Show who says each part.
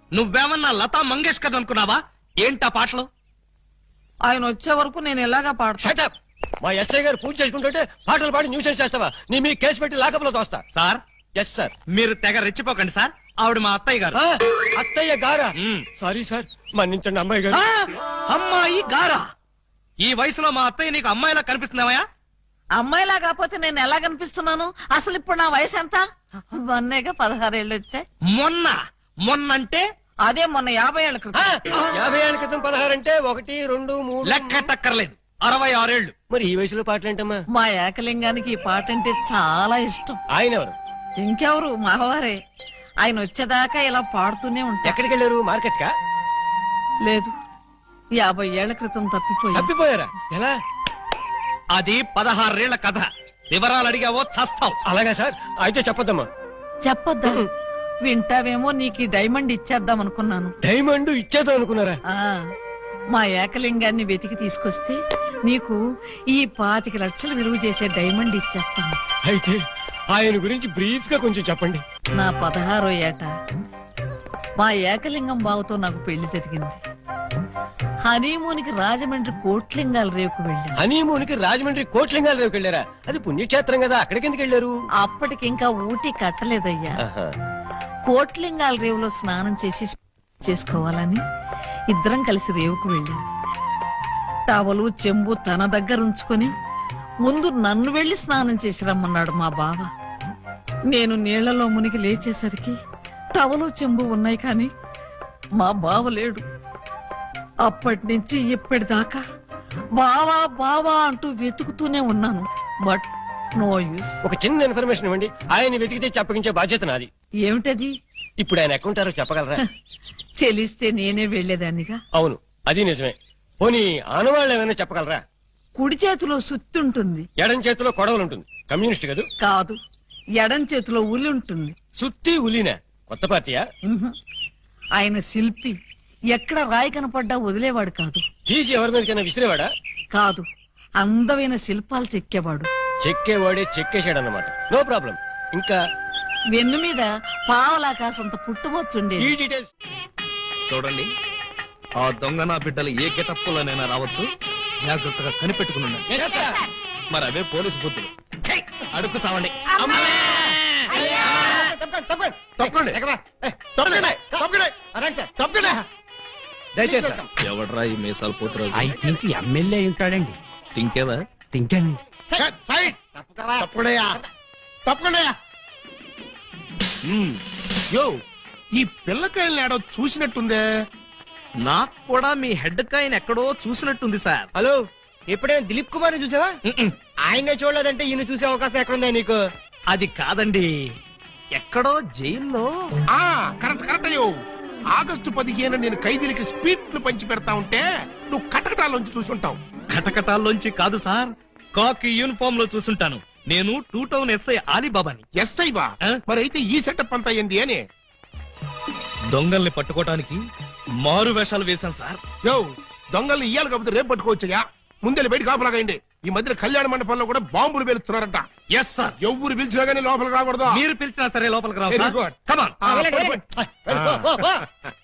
Speaker 1: నువ్వేమన్నా లతా మంగేష్కర్ అనుకున్నావా? ఏంటా పాటలు?
Speaker 2: ఆయన వచ్చే వరకు నేను ఎలాగా పాడతా.
Speaker 3: షటప్! మా ఎస్ఐ గారు పూజ చేసుకుంటుంటే పాటలు పాడి న్యూసెన్స్ చేస్తావా? నీ మీ కేసు పెట్టి లాకప్లో తోస్తా.
Speaker 1: Sir,
Speaker 3: yes sir.
Speaker 1: మీరు తెగ రెచ్చిపోకండి సార్. ఆవిడ మా అత్తయ్య గారు.
Speaker 3: అత్తయ్య గారా? సారీ సార్, మన్నించండి అమ్మాయి గారు.
Speaker 1: అమ్మాయి గారా? ఈ వయసులో మా అత్తయ్య నీకు అమ్మాయిలా కనిపిస్తున్నావా?
Speaker 2: అమ్మాయిలా కాకపోతే నేను ఎలా కనిపిస్తున్నాను? అసలు ఇప్పుడు నా వయసు ఎంత? మొన్నేగా 16 ఏళ్ళు వచ్చాయి.
Speaker 1: మొన్నంటే
Speaker 2: అదే మొన్న 50 ఏళ్ల క్రితం.
Speaker 3: 50 ఏళ్ల క్రితం 16 అంటే 1, 2, 3
Speaker 1: లెక్కటక్కర్లేదు. 66 ఏళ్ళు.
Speaker 3: మరి ఈ వయసులో పాటలేంటమ్మా?
Speaker 2: మా ఏకలింగానికి ఈ పాట అంటే చాలా ఇష్టం.
Speaker 3: ఆయన ఎవరు?
Speaker 2: ఇంకెవరు, మావారే. ఆయన వచ్చేదాకా ఇలా పాడుతూనే ఉంటా.
Speaker 3: ఎక్కడికి వెళ్ళారు? మార్కెట్ కా?
Speaker 2: లేదు, 50 ఏళ్ల క్రితం తప్పిపోయి.
Speaker 3: తప్పిపోయారా? ఎలా?
Speaker 1: అది 16 ఏళ్ల కథ. వివరాలు అడిగావో చస్తావు.
Speaker 3: అలాగా సార్, అయితే చెప్పొద్దమ్మా.
Speaker 2: చెప్పొద్దా? వింటావేమో, నీకు ఈ డైమండ్ ఇచ్చేద్దాం అనుకున్నాను.
Speaker 3: డైమండ్ ఇచ్చేద్దాం అనుకున్నారా?
Speaker 2: మా ఏకలింగాన్ని వెతికి తీసుకొస్తే నీకు ఈ 25 లక్షలు విలువ చేసే డైమండ్ ఇచ్చేస్తాను.
Speaker 3: అయితే ఆయన గురించి బ్రీఫ్ గా కొంచెం చెప్పండి.
Speaker 2: నా 16వ ఏట మా ఏకలింగం బావతో నాకు పెళ్లి జరిగింది. హనీమూన్కి రాజమండ్రి కోట్లింగాల రేవుకు వెళ్ళాను.
Speaker 3: హనీమూన్ కి రాజమండ్రి కోట్లింగాల రేవుకి వెళ్ళారా? అది పుణ్యక్షేత్రం కదా, అక్కడికి ఎందుకు వెళ్ళారు?
Speaker 2: అప్పటికింకా ఊటీ కట్టలేదయ్యా. కోట్లింగాల రేవులో స్నానం చేసుకోవాలని ఇద్దరం కలిసి రేవుకు వెళ్ళాం. టవలు చెంబు తన దగ్గర ఉంచుకొని ముందు నన్ను వెళ్లి స్నానం చేసి రమ్మన్నాడు మా బావ. నేను నీళ్లలో మునిగి లేచేసరికి టవలు చెంబు ఉన్నాయి, కానీ మా బావ లేడు. అప్పటి నుంచి ఇప్పటిదాకా బావా బావా అంటూ వెతుకుతూనే ఉన్నాను. But no use.
Speaker 3: ఒక చిన్న ఇన్ఫర్మేషన్ ఇవ్వండి, ఆయన వెతికితే చెప్పగించే బాధ్యత నాది.
Speaker 2: ఏమిటది?
Speaker 3: ఇప్పుడు ఆయన ఎక్కడుంటారో చెప్పగలరా?
Speaker 2: తెలిస్తే నేనే వెళ్లేదాన్నిగా.
Speaker 3: అవును, అది నిజమే. పోనీ ఆనవాళ్ళు ఏమైనా చెప్పగలరా?
Speaker 2: కుడి చేతిలో సుత్తుంటుంది,
Speaker 3: ఎడం చేతిలో కొడవలు ఉంటుంది. కమ్యూనిస్ట్ కదూ?
Speaker 2: కాదు, ఎడం చేతిలో ఉలి ఉంటుంది.
Speaker 3: సుత్తి ఉలినా? కొత్త పార్టీయా?
Speaker 2: ఆయన శిల్పి. ఎక్కడ రాయి కనపడ్డా వదిలేవాడు కాదు.
Speaker 3: తీసి ఎవరి మీదకైనా విసిరేవాడా?
Speaker 2: కాదు, అందమైన శిల్పాలు చెక్కేవాడు.
Speaker 3: చెక్కేవాడే చెక్కేశాడన్నమాట. No problem. ఇంకా
Speaker 2: వెన్ను మీద పావలాకాసంత పుట్టుమొచ్చుండేది.
Speaker 3: ఈ డీటెయిల్స్
Speaker 1: చూడండి, ఆ దొంగ నా బిడ్డలు ఏ గెటప్పులోనైనా రావచ్చు. జాగ్రత్తగా కనిపెట్టుకుని ఉండండి. మరి అవే పోలీసు బుద్ధులు. అడుక్కు చావండి. ఎవడ్రా ఈ మీసాలు పోతురాజు?
Speaker 4: ఐ థింక్ ఎమ్మెల్యే ఉంటాడండి.
Speaker 1: తింకేవా?
Speaker 4: తింటాను.
Speaker 5: ఈ పిల్లకాయలు ఏడో చూసినట్టుందే.
Speaker 1: నాకు కూడా మీ హెడ్ కాయని ఎక్కడో చూసినట్టుంది సార్.
Speaker 3: హలో, ఎప్పుడైనా దిలీప్ కుమార్ ని చూసావా? ఆయనే చూడలేదంటే ఈయన చూసే అవకాశం ఎక్కడుందా నీకు?
Speaker 1: అది కాదండి, ఎక్కడో జైల్లో.
Speaker 5: కరెక్ట్ కరెక్ట్ అయ్యో. ఆగస్టు 15 నేను ఖైదీలకి స్పీడ్లు పంచి పెడతా ఉంటే నువ్వు కటకటాల్లోంచి చూసుంటావు.
Speaker 1: కటకటాల్లోంచి కాదు సార్, కాకి యూనిఫామ్ లో చూసుంటాను. నేను 2 టౌన్ ఎస్ఐ ఆలీబాబాని.
Speaker 5: ఎస్ఐ బా? మరి అయితే ఈ సెటప్ అంతా ఏంది అని?
Speaker 1: దొంగల్ని పట్టుకోవటానికి మారు వేషాలు వేశాను సార్.
Speaker 5: యో, దొంగల్ని ఇయ్యాలి కాకపోతే రేపు పట్టుకోవచ్చయ్యా. ముందే బయట కాపలాగండి. ఈ మధ్య కళ్యాణ మండపంలో కూడా బాంబులు పేలుస్తున్నారంట.
Speaker 1: Yes sir.
Speaker 5: ఎవరు పిలిచినా గానీ లోపలికి రాకూడదు.
Speaker 1: మీరు పిలిచినా సరే లోపలికి రావు
Speaker 5: Very
Speaker 1: sir.
Speaker 5: good.
Speaker 1: Come on.